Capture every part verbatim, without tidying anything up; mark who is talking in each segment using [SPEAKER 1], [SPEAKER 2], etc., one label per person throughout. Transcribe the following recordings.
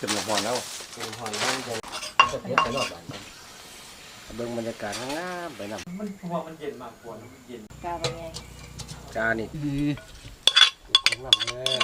[SPEAKER 1] ขึ้นมาหอนแล้ว
[SPEAKER 2] หอนแล้วจะจะเทไปรอบบ้านเบิ่งบรรยากาศงามไปนำ
[SPEAKER 3] มันเพราะว่ามันเย็นมากกว่ามันเย็น
[SPEAKER 4] กาเป็นไง
[SPEAKER 2] กานี่ของลำเลย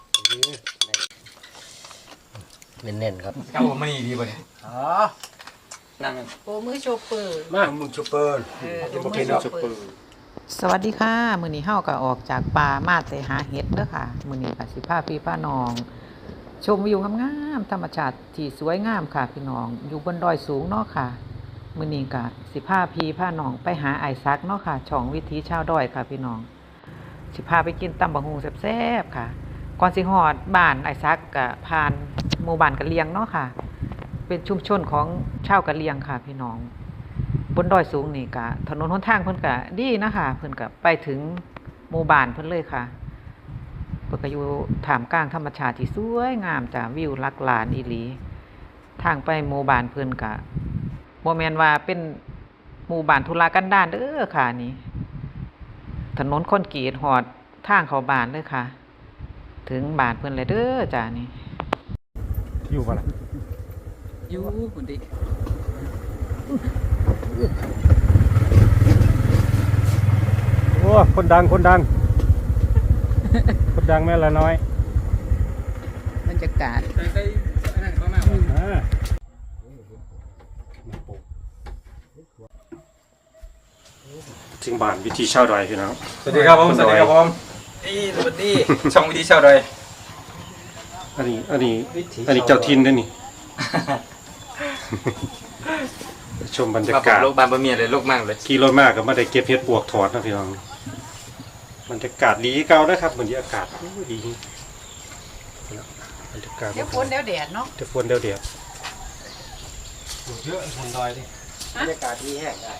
[SPEAKER 2] เน้นๆครับ
[SPEAKER 3] ครับผมมันดีป่ะเนี่ย
[SPEAKER 2] อ๋อ
[SPEAKER 4] นั่งโอ้มือโชเปอร์
[SPEAKER 2] มามือโชเปอร์
[SPEAKER 4] เออมือโชเปอร์
[SPEAKER 5] สวัสดีค่ะมื้อนี้เฮาก็ออกจากป่ามาไปหาเห็ดเด้อค่ะมื้อนี้ก็สิพาพี่พาน้องชมวิวงามๆธรรมชาติที่สวยงามค่ะพี่น้องอยู่บนดอยสูงเนาะค่ะมื้อนี้ก็สิพาพี่พาน้องไปหาไอ้ซักเนาะค่ะช่องวิถีชาวดอยค่ะพี่น้องสิพาไปกินตำบักหุ่งแซ่บๆค่ะก่อนสิฮอดบ้านไอ้ซักก็ผ่านหมู่บ้านกะเหรี่ยงเนาะค่ะเป็นชุมชนของชาวกะเหรี่ยงค่ะพี่น้องบนดอยสูงนี่ก็ถนนหนทางเพิ่นก็ดีนะคะเพิ่นก็ไปถึงหมู่บ้านเพิ่นเลยค่ะเพิ่นก็อยู่ท่ามกลางธรรมชาติที่สวยงามจ้ะวิวลักลานอีหลีทางไปหมู่บ้านเพิ่นก็บ่แม่นว่าเป็นหมู่บ้านทุรกันดารเด้อค่ะนี่ถนนคอนกรีตฮอดทางเข้าบ้านเลยค่ะถึงบ้านเพิ่นเลยเด้อจ้ะนี่
[SPEAKER 1] อยู่บ่ล่ะ
[SPEAKER 5] อยู่พุ่นดิ
[SPEAKER 1] โอ้คนดังคนดังคนดังแม่ละน้อย
[SPEAKER 5] บรรยากาศ
[SPEAKER 1] ถึงบ้านวิธีชาวดอยพี่น้อง
[SPEAKER 3] สวัสดีครับผมสวัสดีครับผมนี่สวัสดีช่องวิธีชาวดอย
[SPEAKER 1] อันนี้อันนี้อันนี้เจ้าทินด้วยนี่ชมบรรยากาศ
[SPEAKER 3] โลกบานบะเมียเลยโลกมากเลย
[SPEAKER 1] ขี่รถมากก็ไม่ได้เก็บเห็ดปวกถอดนะพี่น้องบรรยากาศดีเก่านะครับบรรยากาศดีบรรยากาศ
[SPEAKER 5] เดี๋ยวฝนเดี๋ยวแดดเนาะ
[SPEAKER 1] เดี๋ยวฝนเดี๋ยวแดด
[SPEAKER 3] เยอะบนดอยดิ
[SPEAKER 2] บรรยากาศดีแห้งได้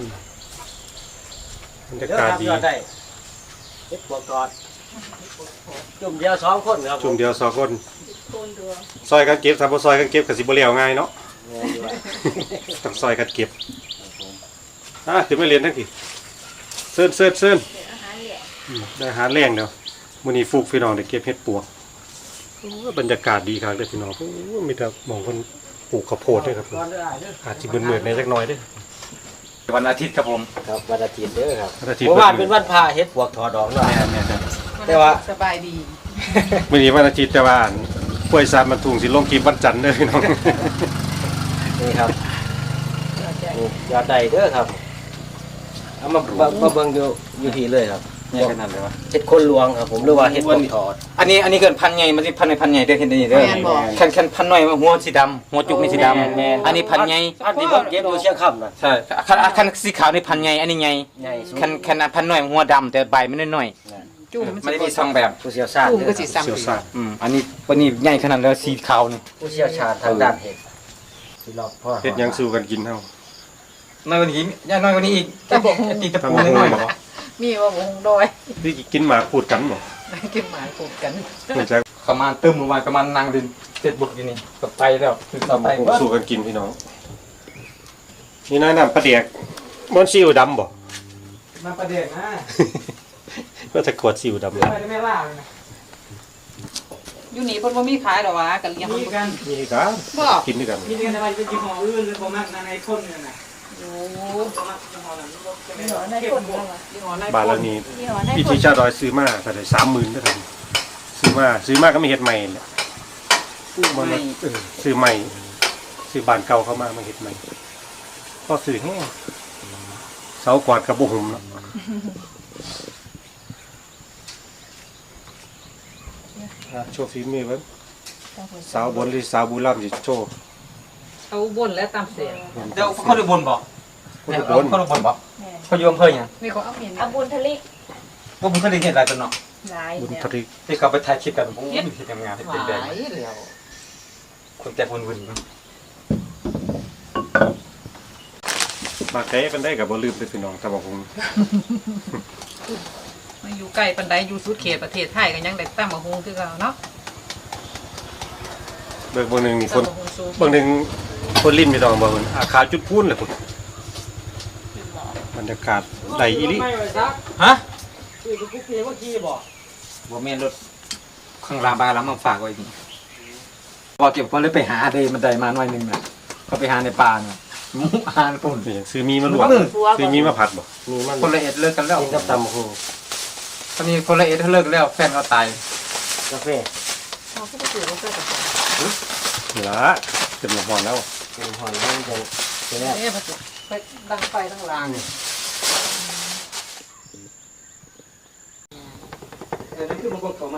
[SPEAKER 1] บรรยากาศดี
[SPEAKER 2] ได้เฮ็ดปวกกอดจุ่มเดียวสองคนครับ
[SPEAKER 1] จุ่มเดียวสองคนซอยกันเก็บทำบ่ซอยกันเก็บกับสิบ่เลี้ยวง่ายเนาะต้องซอยกันเก็บอ่ะถึงไม่เรียนทั้งทีเซิร์นเซิร์นเซิร์นได้อาหารแรงเดี๋ยวมื้อนี้ฟุกพี่น้องได้เก็บเห็ดปวกบรรยากาศดีครับเด้อพี่น้องมีแต่หม่องเพิ่นปลูกข้าวโพดด้วยครับอาจสิมืดๆในจักหน่อยเด้อ
[SPEAKER 3] วันอาทิตย์ครับผม
[SPEAKER 2] ครับวันอาทิตย์เด้อครับ
[SPEAKER 1] วันอาทิตย์
[SPEAKER 2] เพราะว่าเป็นวันพระเฮ็ดปวกถอดดอกเนาะแต่ว่า
[SPEAKER 5] สบายดี
[SPEAKER 1] มื้อนี้วันอาทิตย์แต่ว่าป่วยซามมันถุงสิลงคลิปวันจันทร์เด้อพี่น้อง
[SPEAKER 2] นี่ครับยอดใดเด้อครับเอามามาเบิ่งอยู่อยู่ที่เลยครับ
[SPEAKER 3] เนี่ยขนาดเลยวะ
[SPEAKER 2] เฮ็ดคนลวงครับผมหรือว่าเฮ็ดคนถอด
[SPEAKER 3] อันนี้อันนี้เกินพันใหญ่มันสิพันในพันใหญ่เด้อเห็นได้เด้อแค่แค่พันน้อยหัวสีดำหัวจุกนี่สีดำอันนี้พันใหญ่
[SPEAKER 2] อันนี้ผมเก็บอยู่เชียงค่ำน่ะ
[SPEAKER 3] ใช่คันคันสีขาวนี่พันใหญ่อันนี้ใหญ่คันคันพันน้อยหัวดำแต่ใบมันน้อย
[SPEAKER 5] จุ่ม
[SPEAKER 3] มันมีสองแบบ
[SPEAKER 2] ผู้เชี่ยวชาญ
[SPEAKER 5] จุ่มก็สิซ้ำ
[SPEAKER 1] เชี่ยวชาญ
[SPEAKER 3] อืมอันนี้วันนี้ใหญ่ขนาดแล้วสีขาวนี่
[SPEAKER 2] ผู้เชี่ยวชาญทางด้านเห็ดสิรอบพ่อ
[SPEAKER 1] เฮ็ดยังสู้กันกินเฮา
[SPEAKER 3] น้อยกว่านี้ย่าน้อยกว่านี้อีกตะบกตีตะปูน้อยๆบ่
[SPEAKER 5] มีว่าวงดอย
[SPEAKER 1] นี่กินหมาพูดกันบ่
[SPEAKER 5] กินหมาพูดกัน
[SPEAKER 1] เหมือนจะ
[SPEAKER 3] ประมาณตึ้มประมาณประมาณนางดินเจ็ดบุกอยู่นี่ก็ไปแล้วคือต่อไป
[SPEAKER 1] สู้กันกินพี่น้องนี่น้าน้ำปลาแดกมันซีอิ๊วดำบ่
[SPEAKER 3] น้ำปลาแดกนะ
[SPEAKER 1] ก็จะขวดซีอิ๊วดำเลย
[SPEAKER 3] ไม่ล่าเลยนะ
[SPEAKER 5] อยู่นี่เพิ่นบ่มีขายดอกวะกันเลี้ยงมันกัน
[SPEAKER 1] มีกัน
[SPEAKER 5] บ่
[SPEAKER 1] กินด้วยกัน
[SPEAKER 3] มีกันอะไรเป็นยี่ห้ออื่นหรือบ่มักในคนนี่น่ะ
[SPEAKER 5] โอ้
[SPEAKER 1] บาทละนี้วิธีชาดอยซื้อมาแต่ได้สามหมื่นก็ทันซื้อมาซื้อมาก็ไม่เห็ดใหม่แหละมันซื้อใหม่ซื้อบานเก่าเข้ามามาเห็ดใหม่ก็ซื้อแห้งเสากวาดกับบุหุ่มเนาะโชว์ฝีมือไว้สาวบนหรือสาวบุรีรัมย์จะโชว์
[SPEAKER 5] เอาบนแล้วตามเสียง
[SPEAKER 3] เดี๋ยวเขาดูบนบอก
[SPEAKER 1] คนดูบน
[SPEAKER 3] เขาดูบนบอกเขาโยมเพื่อนยัง
[SPEAKER 5] นี่เขาเอาเมียน
[SPEAKER 4] เอาบุญทะเล
[SPEAKER 3] ว่าบุญทะเลเห็นอะไรตัวเนาะ
[SPEAKER 1] บุญทะเล
[SPEAKER 3] ที่เขาไปถ่ายคลิปกันโอ้ยที่ทำงานที่เป็นแดงคนแก่วุ่นๆ
[SPEAKER 1] มาเตะเป็นได้กับบอลลืมไปพี่น้องตะบกง
[SPEAKER 5] มาอยู่ใกล้ปันไดอยู่สุดเขตประเทศไทยกันยังได้ตั้งมาฮงคือเก่าเนาะ
[SPEAKER 1] เบิกบางหนึ่งมีคนบางหนึ่งคนลิ้นไม่ต้องบางคนอาคาจุดพูนเลยคุณบรรยากาศใดอีลิ
[SPEAKER 3] ฮะคือกุ๊กเพียว่าขี้บ่บ่แม่นรถข้างลาบาแล้วมาฝากไว้นี่พอเก็บก็เลยไปหาเดมันได้มาหน่อยนึงน่ะเขาไปหาในป่าน่ะหมูหานปุ่น
[SPEAKER 1] เป็นหยังซื้อมีมาลวกซื้อมีมาผัดบ่
[SPEAKER 2] มีมัน
[SPEAKER 3] คนละเอ็ดเลิกกันแล้ว
[SPEAKER 2] กินกับตำหู
[SPEAKER 3] ตอนนี้คนละเอ็ดเลิกแล้วแฟนเขาตาย
[SPEAKER 2] กาแฟ
[SPEAKER 4] เขาก็ไปถือว่าเพื่อนกับเขา
[SPEAKER 1] นี่ละเป็นหมอนแล้ว
[SPEAKER 2] เป็นหอยมันจะแซ่บ
[SPEAKER 4] เนี่ยมันจะไปดังไฟดังลาง
[SPEAKER 3] เออนั่นคือมันก็เข้ามา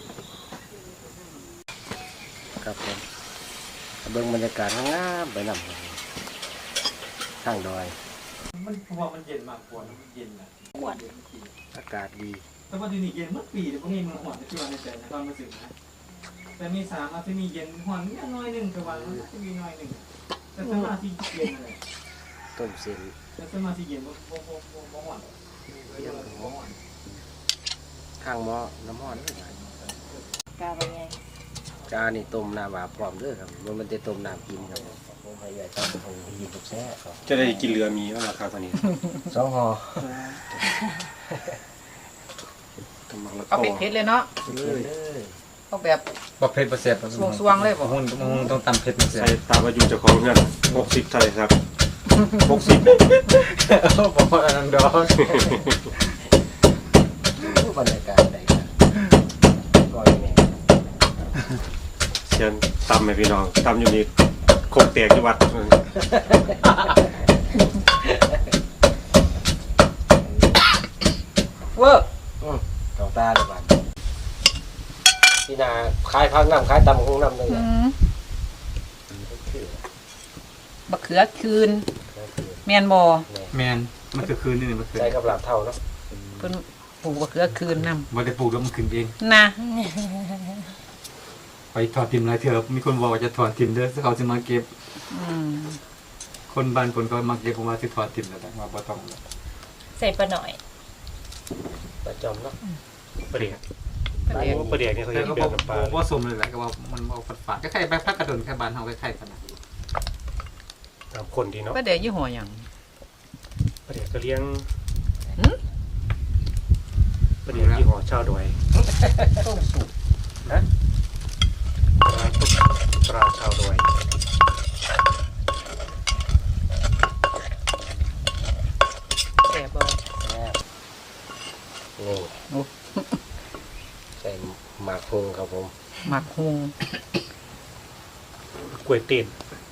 [SPEAKER 2] ครับผมเบิ่งบรรยากาศงามไปนำทางดอย
[SPEAKER 3] มันเพราะว่ามันเย็นมากกว่ามันเย็นนะ
[SPEAKER 2] อากาศดี
[SPEAKER 3] แต่ว่าที่นี่เย็นเมื่อปีแต่พวกนี้มันหอนที่วันในใจนะตอนมาถึงนะแต่มีสามอาที่มีเย็นหอนนิดหน่อยหนึ่งแต่วันมันจะมีหน่อยหนึ่งแต่สมาธิเย็นเลย
[SPEAKER 2] ต้มเส้น
[SPEAKER 3] แต่สมาธิเย็นบ่บ่บ่บ่บ่หอนเย็นบ่หอน
[SPEAKER 2] ข้างหม้อน้ำร้อนนี่
[SPEAKER 4] กาไปไง
[SPEAKER 2] กานี่ต้มน้ำอาบพร้อมเด้อครับมันมันจะต้มน้ำกินครับผมให้ใหญ่ต้มคงกินกับแซ่บครับ
[SPEAKER 1] จะได้กินเรือมีว่าราคาเท่านี้
[SPEAKER 2] สองห่อ
[SPEAKER 1] กำลังละ
[SPEAKER 4] เอา
[SPEAKER 1] โต
[SPEAKER 4] เผ็ดๆเลยเนาะ
[SPEAKER 2] กินเลย
[SPEAKER 4] เอาแบบ
[SPEAKER 3] บ่เผ็ดบ่แซ่บ
[SPEAKER 4] สวงๆเลยบ่
[SPEAKER 3] หุ่นมันต้องตำเผ็ดมันแซ่
[SPEAKER 1] ใส่
[SPEAKER 3] บ
[SPEAKER 1] ตามอายุเจ้าของเงินหกสิบเท่าไหร่ครับหกสิบ
[SPEAKER 3] บ่พออันนั้นดอก
[SPEAKER 2] บรรยากาศใดกันก้อยแม่
[SPEAKER 1] เชียนตำไหมพี่น้องตำอยู่นี่โคกแตกจังหวัด
[SPEAKER 4] เวอร์
[SPEAKER 2] เก่าตาเลยบ้านพี่นาขายพักน้ำขายตำคงน้ำเลย
[SPEAKER 4] อื
[SPEAKER 2] นะ
[SPEAKER 4] มบักเขือคืนแมนบ่
[SPEAKER 3] แม่นมันคือคืนนี่มันคือ
[SPEAKER 2] ใส่กับหลาบเท่าเนาะ
[SPEAKER 4] เพิ่นปลูกบักเขือคืนนำ
[SPEAKER 3] บ่ได้ปลูกแล้วมันขึ้นเอง
[SPEAKER 4] นะ
[SPEAKER 3] ไปถอดทิมหลายเถอะมีคนบอกว่าจะถอดทิมเด้อเขาจะมาเก็บ
[SPEAKER 4] อืม
[SPEAKER 3] คนบ้านคนก็มาเก็บผมว่าสิถอดทิมแล้วแต่ว่าบ่ต้องแล้ว
[SPEAKER 6] ใส่ปลาหน่อย
[SPEAKER 2] ประจอมเนาะ
[SPEAKER 1] ประเดี๋ยว
[SPEAKER 4] ประเดี๋ยว
[SPEAKER 1] ประเดี๋ยวนี่เขา
[SPEAKER 3] แต่
[SPEAKER 1] จะ
[SPEAKER 3] ก็
[SPEAKER 1] เปลี่
[SPEAKER 3] บ
[SPEAKER 1] ย
[SPEAKER 3] อน ก
[SPEAKER 1] น้ำปลา
[SPEAKER 3] ว่าสมเลยแหละก็ว่ามันบ่ฝาดๆก็คล้ายๆแบบพักกระดนแค่บ้านเฮาคล้ายๆกันนะ
[SPEAKER 1] ตามคนดีเนาะ
[SPEAKER 4] ประเดี๋ยวยี่ห้อหยัง
[SPEAKER 1] ประเดี๋ยวก็เลี้ยง
[SPEAKER 4] หืม
[SPEAKER 1] ประเดี๋ยวยี่ห้อชาวดอย
[SPEAKER 4] ต้มสุก
[SPEAKER 1] ปลาปลาชาวดอย
[SPEAKER 4] แซ่บบ่
[SPEAKER 2] นี่ใส่หมากฮงครับผม
[SPEAKER 4] หมักฮุง
[SPEAKER 1] กล้วยเต้น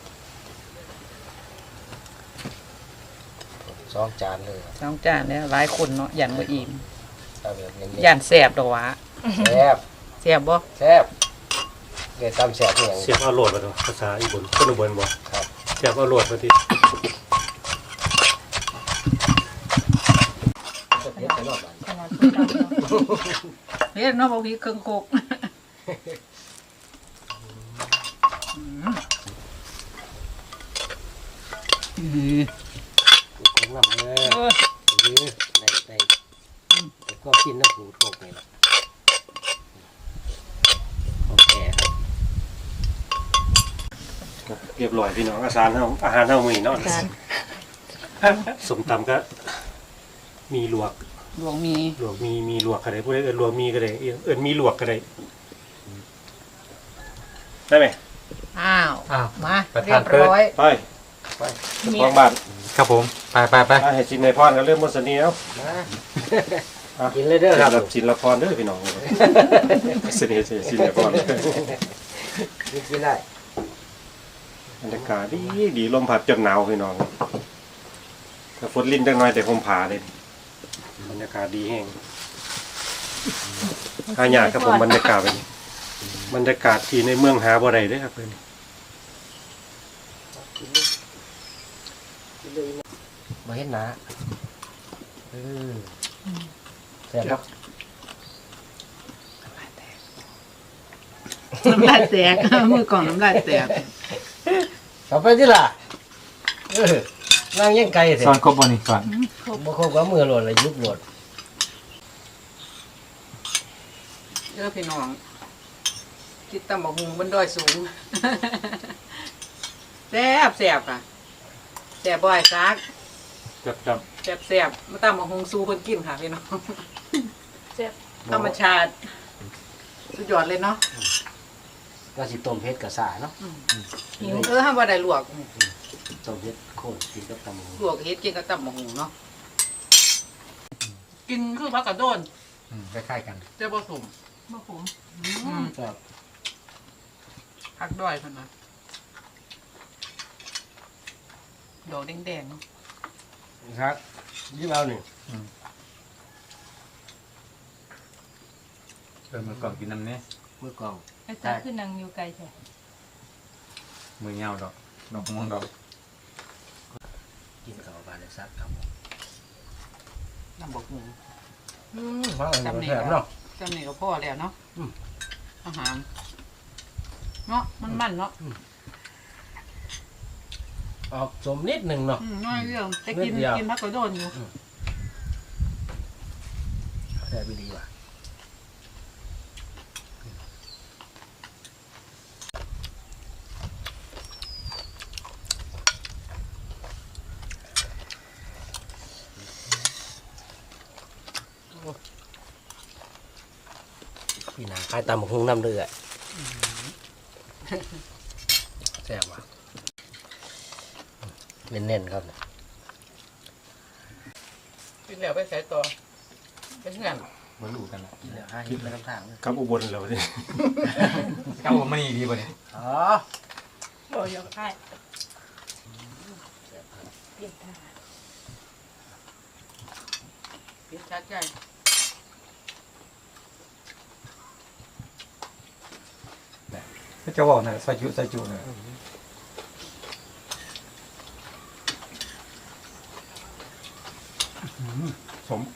[SPEAKER 2] สองจานเลยครับ
[SPEAKER 4] สองจานเนี่ยหลายคนเนาะยันบ่อิ่ม
[SPEAKER 2] เอาแบบเน้น
[SPEAKER 4] ยันแซ่บดอกหวะ
[SPEAKER 2] ๆแซ่บ
[SPEAKER 4] แซ่บบ่
[SPEAKER 2] แซ่บเลยตำแซ่บอย่าง
[SPEAKER 1] เสียบเอาโหลดมาดูภาษาอีบุนคนอุบลบ่
[SPEAKER 2] ครับ
[SPEAKER 1] เสียบเอาโหลดมาที
[SPEAKER 2] เผ็ดไปรอบบ้าน
[SPEAKER 6] ขนาดพูดเราเนาะ
[SPEAKER 4] เฮ็ดเนาะบ่มีเครื่องโคกอืมอือ
[SPEAKER 2] ผมนำเลย
[SPEAKER 4] เออ
[SPEAKER 2] ยื้อในในแต่ก็กินน้ำปูโคกนี่แหละโอเคครับ
[SPEAKER 1] เรียบร้อยพี่น้องอาหารเฮาอาหารเฮามื้อนี้เนาะ
[SPEAKER 4] จาน
[SPEAKER 1] สมตำก็มีลวก
[SPEAKER 4] หลวงมี
[SPEAKER 1] ลวกมีมีลวกก็ได้ผู้ใดเอิ้นลวกมีก็ได้เอิ้นมีลวกก็ได้ได้ไหม
[SPEAKER 4] อ้าว
[SPEAKER 3] อ้าว
[SPEAKER 4] มา
[SPEAKER 3] ประ
[SPEAKER 4] เรี
[SPEAKER 3] ธาย น
[SPEAKER 4] บ
[SPEAKER 3] เปิด
[SPEAKER 4] ร้อย
[SPEAKER 1] ไปไปเจ้าของบ้าน
[SPEAKER 3] ครับผมไปไปไป
[SPEAKER 1] อ่ะให้สินในพรก็เริ่มหมดเสนีแล้ว
[SPEAKER 2] มากินเลยเด้อครับ
[SPEAKER 1] แบบสินละพรเด้อพี่น้องเสนีสิสินในพร
[SPEAKER 2] กินได้
[SPEAKER 1] บรรยากาศดีดีลมพัดจนหนาวพี่น้องแต่ฝนลิ้นจังน้อยแต่คมผาเลยบรรยากาศดีแห้งหายากครับผมบรรยากาศแบบนี้บรรยากาศที่ในเมืองหาบ่ได้เด้อครับเพิ่น
[SPEAKER 2] มาเห็นหนาเออแซ่บเนาะ
[SPEAKER 4] น้ำลายแตก มือกล่องน้ำลายแตก
[SPEAKER 2] ต่อไปที่ล่ะเออนั่งยังไกลเถ
[SPEAKER 3] สอน
[SPEAKER 2] อะ
[SPEAKER 3] ครบบ่นี่ก่อน
[SPEAKER 2] บ่ครบกับมือโหลดเลยยุบโหลด
[SPEAKER 4] เด้อพี่น้องกินตำบักหุ่งบนดอยสูง แซ่บแซ่บค่ะแซ่บบ่อยซัก
[SPEAKER 3] จับจับ
[SPEAKER 4] แซ่บแซ่บมาตำบักหุ่งสู้เพิ่นกินค่ะพี่น้อง
[SPEAKER 6] แซ่บ
[SPEAKER 4] ธรรมชาติสุดยอดเลยเนาะ
[SPEAKER 2] ก็สิต้มเผ็ดกับสาเนาะ
[SPEAKER 4] หิวเออห้ามว่าได้ลวก
[SPEAKER 2] ต้มเผ็ดโคนกินกับตำบักหุ่ง
[SPEAKER 4] ลวกเฮ็ดกินกับตำบักหุ่งเนาะกินคือผักกระโดน
[SPEAKER 2] คล้ายๆกัน
[SPEAKER 4] เจ้าผสมผสม
[SPEAKER 2] ครับ
[SPEAKER 4] ผักด้อยเพิ่นนะดอกแดงๆเนาะ
[SPEAKER 2] ครับยิ้มเอาหนึ่ง
[SPEAKER 3] เออมันก่อนกินน้ำเนี่ย
[SPEAKER 2] มือกอง
[SPEAKER 6] ไอ้จ้าขึ้นนางอยู่ไกลใช่
[SPEAKER 3] มือเงาดอกดอกม่วงดอก
[SPEAKER 2] กินกับบาเลซักครับ
[SPEAKER 4] ตำบักหุ่ง
[SPEAKER 2] อืมฟังอะไรแถมเนาะ
[SPEAKER 4] จำนี่ก็พอแล้วเนาะ
[SPEAKER 2] อืม
[SPEAKER 4] อาหารเนาะมันมันเนาะ
[SPEAKER 2] ออกสมนิดหนึ่งเนาะ
[SPEAKER 4] อืมน้อยเรื่องแต่กิน
[SPEAKER 2] นิดเดียว
[SPEAKER 4] กินผักกระโดนอยู่
[SPEAKER 2] แต่ไม่ดีว่ะพี่นาคายตำบักหุ่งน้ำเดือดแซ่บว่ะเน้นๆครับ
[SPEAKER 4] กินแล้วไปใส่ต่อไปเงื่อน
[SPEAKER 3] มาลูกันละ
[SPEAKER 2] กินแล้วห้าหิบแล้วน้ำทางเลย
[SPEAKER 1] กับอุบลแล้วนี่
[SPEAKER 3] เก้ามันนี่ดีป่ะเนี่ย
[SPEAKER 2] อ๋อ
[SPEAKER 6] โอ้ยกได้เปลี่ยนทาง
[SPEAKER 4] กินชัดใจ
[SPEAKER 3] ก็จะบอกนะใส่จุใส่จุเนี่ย สม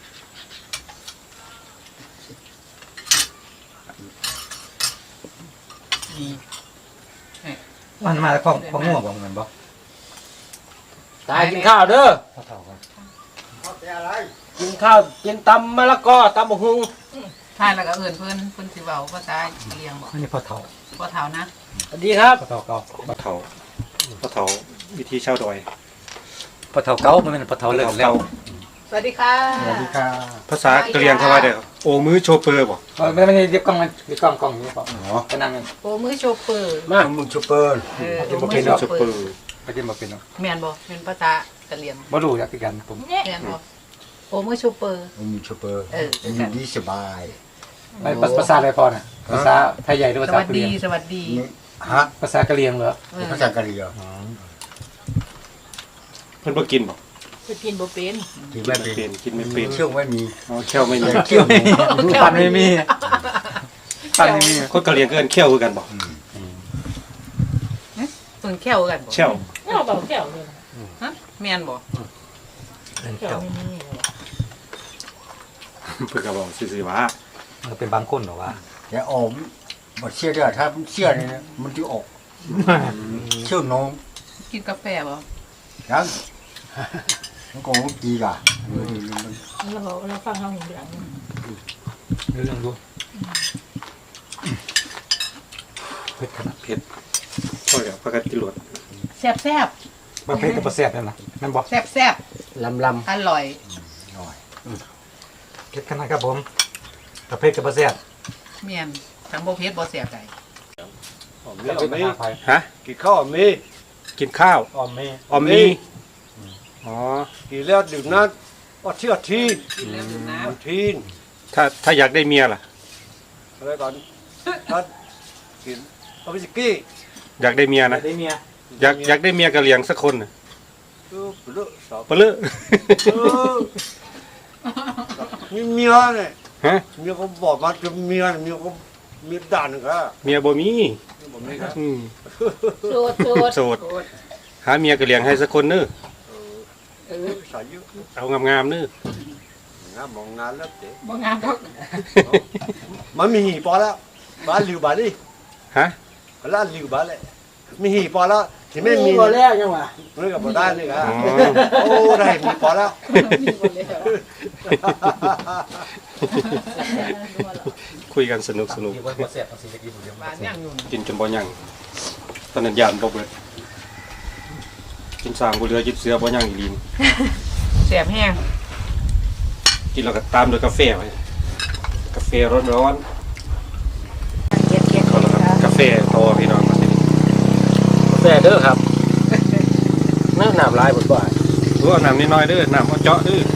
[SPEAKER 4] มี
[SPEAKER 3] มันมาจากของของง่วงบอกเหมือนบอก
[SPEAKER 2] ตายกินข้าวเด้อ
[SPEAKER 3] เท่าๆกัน
[SPEAKER 2] กินข้าวกินตำมะละกอตำบักหุ่ง
[SPEAKER 4] ทานแล้วก็เอื่นเพิ่นเพิ่นสิเว้าภาษาเลียงบอก
[SPEAKER 3] อันนี้พอเท่า
[SPEAKER 4] บ่เท่านะ
[SPEAKER 2] สวัสดีครับ
[SPEAKER 3] พอเท่าเก่า
[SPEAKER 1] ปลาเถาปลาเถาวิธีเช่าดอย
[SPEAKER 3] พอเท่าเก่ามันเป็นพอเท่าเลิกแล้ว
[SPEAKER 4] สวัสดีค่ะ
[SPEAKER 3] สวัสดีค่ะ
[SPEAKER 1] ภาษากะเหรี่ยงเขาว่าเด้อโอมือโชเปอร์บ่
[SPEAKER 3] ไม่ไม่ได้เรียบกล้องมันเรียบกล้องกล้องนี้ป่ะอ๋อก็นั่ง
[SPEAKER 4] โอ้มือโชเปอร์
[SPEAKER 2] มามึงชูเปอร์
[SPEAKER 4] เออ
[SPEAKER 3] กิน
[SPEAKER 4] โอ้
[SPEAKER 3] บ่
[SPEAKER 4] มื
[SPEAKER 3] เป็
[SPEAKER 4] อน โช
[SPEAKER 3] เนาะ
[SPEAKER 1] โช
[SPEAKER 4] เป
[SPEAKER 1] เป
[SPEAKER 4] อ
[SPEAKER 1] อ
[SPEAKER 4] ร์
[SPEAKER 1] ร์
[SPEAKER 3] ไปกินมาเป็นเนาะ
[SPEAKER 4] แม่นบ่เป็นภาษากะเหรี่ยง
[SPEAKER 3] บ่รู้อยากกันผม
[SPEAKER 4] แม่นบ่โอ้มือโชเปอร์
[SPEAKER 7] มีชูเปอร์
[SPEAKER 4] เออ
[SPEAKER 7] มีดีสบาย
[SPEAKER 3] ไม่ภาษาอะไรพอน่ะภาษาไทยใหญ่หรือ
[SPEAKER 4] ส
[SPEAKER 3] ภาษา
[SPEAKER 4] วัส
[SPEAKER 3] กะเห
[SPEAKER 4] ดี
[SPEAKER 3] รี่ยง
[SPEAKER 4] สวัสดี
[SPEAKER 7] ฮะ
[SPEAKER 3] ภาษากะเหรี่ยงเหรอ
[SPEAKER 4] เออ
[SPEAKER 7] ภาษากะเหรี่ยง
[SPEAKER 1] เพิ่นบ่กินบ่
[SPEAKER 6] ไปกินบ่เป็น
[SPEAKER 7] ที่
[SPEAKER 1] กิน
[SPEAKER 7] ไม่
[SPEAKER 1] ไม่
[SPEAKER 7] เป็
[SPEAKER 1] เป็น นกินไม่เป็น
[SPEAKER 7] เชื่อไม่มี
[SPEAKER 1] อ๋อแค่วไม่มี
[SPEAKER 7] เชื่อไม่มี
[SPEAKER 3] ปันไม่มีปันไม่มี
[SPEAKER 1] คนกะเหรี่ยงก็เอิ้นแค่วคือกันบ่
[SPEAKER 4] เพิ่นแค่วกันบ่
[SPEAKER 1] แช่ว
[SPEAKER 6] เอาเบาแก้วเลยนะ
[SPEAKER 4] ฮะแม่นบ่
[SPEAKER 6] แก้วไม่มีเลย
[SPEAKER 1] เพิ่นก็บอกซื่อๆว่า
[SPEAKER 3] มันเป็นบางคนเหรอวะ
[SPEAKER 7] แต่อมบดเชื่อด้วยถ้าเชื่อเนี่ยนะมันจะออกเชื่อน้อง
[SPEAKER 4] กินกาแฟบ่
[SPEAKER 7] ยังมันก็ดีก่ะ
[SPEAKER 6] เราเราฟังเราหูหลัง
[SPEAKER 3] เรื่องดูเผ็ดขนาด
[SPEAKER 1] เผ็ดพ่อกับพากันกินหลวด
[SPEAKER 4] แซ่บแซ่บ
[SPEAKER 3] มาเผ็ดกับแซ่บนั่นนะนั่นบอก
[SPEAKER 4] แซ่บแซ่บ
[SPEAKER 2] ลำล
[SPEAKER 4] อร่อย
[SPEAKER 7] หน่อย
[SPEAKER 3] เผ็ดขนาดครับผมกับเผ็ดกับแซ่บ
[SPEAKER 4] แม่นทั้งบ่เผ็ดบ่แซ่บได้
[SPEAKER 3] เผ็ดเป็นอาภัย
[SPEAKER 1] ฮะ
[SPEAKER 7] กินข้าวมี
[SPEAKER 1] กินข้าว
[SPEAKER 3] ออมเม่
[SPEAKER 1] ออมมีอ๋อ
[SPEAKER 7] กินแล้วดื่มน้ำก็เชื่อที
[SPEAKER 4] กินแล้วดื่มน้ำ
[SPEAKER 7] ทีน
[SPEAKER 1] ถ้าถ้าอยากได้เมียล่ะ
[SPEAKER 7] อะไรก่อนท่านกินเอาไปสกี้
[SPEAKER 1] อยากได้เมียนะ
[SPEAKER 3] ได้เมีย
[SPEAKER 1] อยากอยากได้เมียกะเหรี่ยงสักคนน่ะ
[SPEAKER 7] เออเลือกสอบ
[SPEAKER 1] ปะเลอะ
[SPEAKER 7] เออมีเมียเนี่ย
[SPEAKER 1] ฮะ
[SPEAKER 7] เมียก็บอกมาจะเมียเมียก็เมียด่านครับ
[SPEAKER 1] เมียบ่มี
[SPEAKER 7] ผมนี่ครับ
[SPEAKER 1] อืม
[SPEAKER 6] โสดโสด
[SPEAKER 1] โสดหาเมียกะเหรี่ยงให้สักคนเน้อ
[SPEAKER 7] เออสายยุ
[SPEAKER 1] เอางามๆเน้อง
[SPEAKER 7] านมองงานแล้วเจ๊
[SPEAKER 6] บ่งามดอก
[SPEAKER 7] มันมีหีพอแล้วบ้านลิวบ้านนี่
[SPEAKER 1] ฮะ
[SPEAKER 7] ร้านลิวบ้านเลยมีหีพอแล้วที่ไม่มี
[SPEAKER 2] ำบ่แล้วยังวะ
[SPEAKER 7] เรื่องกับบ่ได้เลยครับ
[SPEAKER 1] อ๋อ
[SPEAKER 7] โอ้ได้มีพอแล้ว
[SPEAKER 6] มีหมดแล้ว
[SPEAKER 1] คุยกันสนุกสนุก
[SPEAKER 3] ที่ว่าแซ่บภาษีตะกี้ผมเดียว
[SPEAKER 4] บ้านย่างอยู่
[SPEAKER 1] กินจนบ่ยังตอนนั้นยานบ่เบิดกินสร้างบ่เหลือจิบเสือบ่ยังอีหลีน
[SPEAKER 4] แซ่บแห้ง
[SPEAKER 1] กินแล้วก็ตามด้วยกาแฟไว้กาแฟร้อนๆ
[SPEAKER 6] เก็บเก็บ
[SPEAKER 1] เขาแล้วก็กาแฟฟต่อพี่น้อง
[SPEAKER 2] กาแฟเด้อครับน้ำน้ำลายบดบ่าย
[SPEAKER 1] รู้เอาน้ำนิดหน่อยเด้อน้ำเอาเจาะเด้อ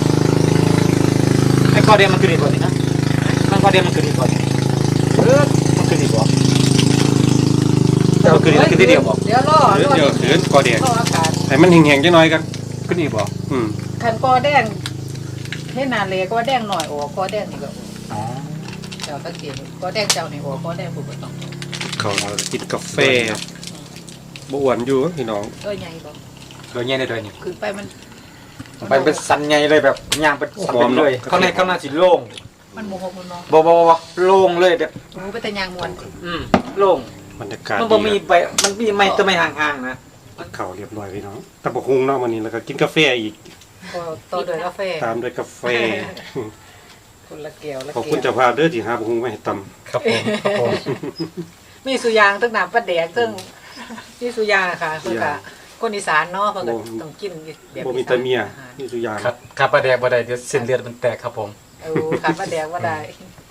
[SPEAKER 3] ไอ้คอเดียมันคือดีกว่านี้นะมันคอเดียมันคือดีกว่านี้เออมันคือดีกว่าแต่มันคือดีคือที่เดียวบอก
[SPEAKER 4] เดี๋ยวรอ
[SPEAKER 1] เดี๋ยว
[SPEAKER 4] รอ
[SPEAKER 1] เดี๋ยวเขือนกอแดง
[SPEAKER 4] รออากาศ
[SPEAKER 1] ให้มันแห้งๆจังหน่อยกัน
[SPEAKER 3] คือดีบอก
[SPEAKER 1] อืม
[SPEAKER 4] คันกอแดงให้นาเลก็แดงหน่อยโอ้กอแดงนี่ก็
[SPEAKER 3] อ๋อ
[SPEAKER 4] เจ้าตะเกียบกอแดงเจ้านี่โอ้กอแดงผู้บ่ต้อง
[SPEAKER 1] เขาเรากินกาแฟบ่อ้วนอยู่พี่น้อง
[SPEAKER 4] เอ้ยใหญ่บ่
[SPEAKER 3] โดยเงี้ยในโดยนี่
[SPEAKER 4] ขึ้นไปมัน
[SPEAKER 3] ไปเป็นสันไงเลยแบบย่างเป็นสันเป็นเลยข้างในข้างหน้าสีโล่ง
[SPEAKER 4] มันโมโหมันเนาะ
[SPEAKER 3] บ่บ่บ่โล่งเลยแบบ
[SPEAKER 4] หมูไปแต่ยางมวน
[SPEAKER 3] อืมโล่ง
[SPEAKER 1] บรรยากาศ
[SPEAKER 3] มัน
[SPEAKER 1] ดี
[SPEAKER 3] บ่มีไปมันมีไม่ตัวไม่ห่างๆนะ
[SPEAKER 1] เขาเรียบร้อยพี่น้องตะบกหุงเนาะวันนี้แล้วก็กินกาแฟอีก
[SPEAKER 4] ก็ต่อด้วยกาแฟ
[SPEAKER 1] ตามด้วยกาแฟ
[SPEAKER 4] คนละแก้วละ
[SPEAKER 1] ขอบ
[SPEAKER 4] แก้
[SPEAKER 1] คุณ
[SPEAKER 4] ว
[SPEAKER 1] เจ้าภาพเด้อที่หาบกหุงมาให้ตำ
[SPEAKER 3] ครับผมครับผม
[SPEAKER 4] มีสุยางตึ้งน้ำปลาแดกตึ้งมีสุยางค่ะเพิ่นก็คนอีสานเนาะเพิ่นก็ต้องกินแบบ
[SPEAKER 1] บ่มีแต่เมียมีสุยาง
[SPEAKER 3] ครับครับปลาแดกบ่ได้เดี๋ยวเส้นเลือดมันแตกครับผม
[SPEAKER 4] เออขาดปลาแดกบ่ได้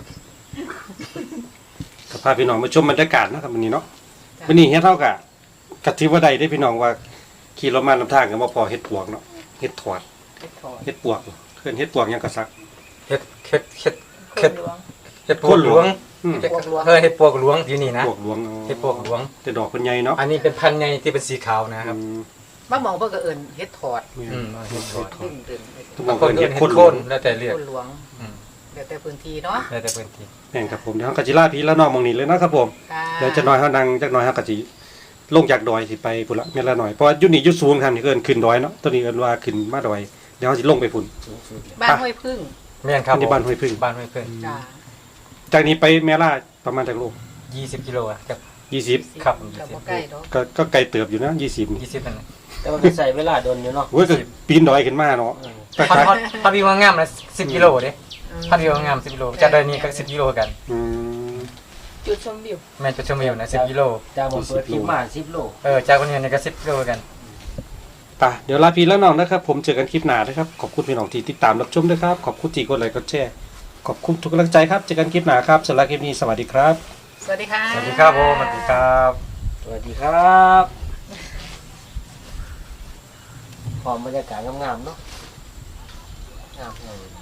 [SPEAKER 1] ก็พาพี่น้องมาชมบรรยากาศนะครับวันนี้เนาะวันนี้เฮ็ดเท่ากับกะทิว่าใดได้พี่น้องว่าขี่รถมาลำทางกันบ่พอเฮ็ดปวกเนาะเฮ็ดถอด
[SPEAKER 4] เฮ็ดถอด
[SPEAKER 1] เฮ็ดปวกเพิ่นเฮ็ดปวกหยังก็ซัก
[SPEAKER 3] เฮ็ดเฮ็ดเฮ็ด
[SPEAKER 4] ค
[SPEAKER 3] เฮ็ด
[SPEAKER 4] นหลวง
[SPEAKER 3] เฮ็ดปวกหลวง
[SPEAKER 1] อืม
[SPEAKER 4] ปวกหลวง
[SPEAKER 3] เออเฮ็ดปวกหลวงที่นี่นะ
[SPEAKER 1] ปวกหลวงอ๋อ
[SPEAKER 3] เฮ็ดปวกหลวง
[SPEAKER 1] แต่ดอกเพิ่นใหญ่เนาะ
[SPEAKER 3] อันนี้เป็นพันธุ์ใหญ่ที่เป็นสีขาวนะครับ
[SPEAKER 1] อืม
[SPEAKER 4] บางหมองเพิ่นก็เอิ้นเฮ็ดถอด
[SPEAKER 3] อืมเฮ็ดถอด
[SPEAKER 4] ตึ้งตึ้ง
[SPEAKER 1] ทุกหม
[SPEAKER 3] บา
[SPEAKER 1] อง ง
[SPEAKER 3] คน
[SPEAKER 1] เพิ่น
[SPEAKER 3] เฮ็
[SPEAKER 1] เฮ็
[SPEAKER 3] ด
[SPEAKER 1] ด
[SPEAKER 3] ค
[SPEAKER 1] คน นหลวง
[SPEAKER 3] แล้วแต่เรียก
[SPEAKER 4] คนหลวง
[SPEAKER 3] อืม
[SPEAKER 4] แล้วแต่พื้นที่เนาะ
[SPEAKER 3] แล้วแต่พื้นที่
[SPEAKER 1] แม่นครับผมเดี๋ยวเฮาก็สิลาพี่ละน้องหมองนี้เลยนะครับผม
[SPEAKER 4] ค่ะ
[SPEAKER 1] เดี๋ยวจะน้อยเฮานั่งจักหน่อยเฮาก็สิลงจากดอยสิไปพุ่นละแม่นละหน่อยเพราะว่าอยู่นี่อยู่สูงครับนี่เอิ้นขึ้นดอยเนาะตัวนี้เอิ้นว่าขึ้นมาดอยเดี๋ยวเฮาสิลงไปพุ่น
[SPEAKER 4] บ้านห้วยพึ่ง
[SPEAKER 3] แม่นครับ
[SPEAKER 1] อันนี้บ้านห้วยพึ่ง
[SPEAKER 3] บ้านห้วยพึ่ง
[SPEAKER 4] จ้า
[SPEAKER 1] จากนี้ไปแม่ล่าประมาณจักโล
[SPEAKER 3] ยี่สิบกิโลอะครับ
[SPEAKER 1] ยี่สิบ
[SPEAKER 3] ครับ
[SPEAKER 4] ก็บ่ใกล้ดอก
[SPEAKER 1] ก็ก็ไกลเติบอยู่นะยี่สิบนี่
[SPEAKER 3] ยี่สิบนั่นแหละ
[SPEAKER 2] แต่ว่าก็ใส่เวลาโดนอยู่เนาะ
[SPEAKER 1] เว้ยก็ปีนดอยขึ้นมาเนาะแต่
[SPEAKER 3] พัด
[SPEAKER 1] ขา
[SPEAKER 3] พัดพัดวิวงามนะสิบกิโลเด้พัดวิวงามสิบกิโลจากดอยนี้ก็สิบกิโลกัน
[SPEAKER 1] อืม
[SPEAKER 6] จุดชมวิว
[SPEAKER 3] แม่นจุดชมวิวนะสิบกิโล
[SPEAKER 2] จากผมเปิดคลิปมาสิบโล
[SPEAKER 3] เออจากคนนี้ก็สิบกิโลกัน
[SPEAKER 1] ป่ะเดี๋ยวลาพี่แล้วน้องนะครับ ผมเจอกันคลิปหน้านะครับ ขอบคุณพี่น้องที่ติดตามรับชมด้วยครับ ขอบคุณที่กดไลค์กดแชร์ ขอบคุณทุกกำลังใจครับ เจอกันคลิปหน้าครับสำหรับคลิปนี้สวัสดีครับ
[SPEAKER 4] สวัสดีค่ะ
[SPEAKER 3] สวัสดีครับผมสวัสดีครับ
[SPEAKER 2] สวัสดีครับหอมบรรยากาศงามๆเนาะงามๆ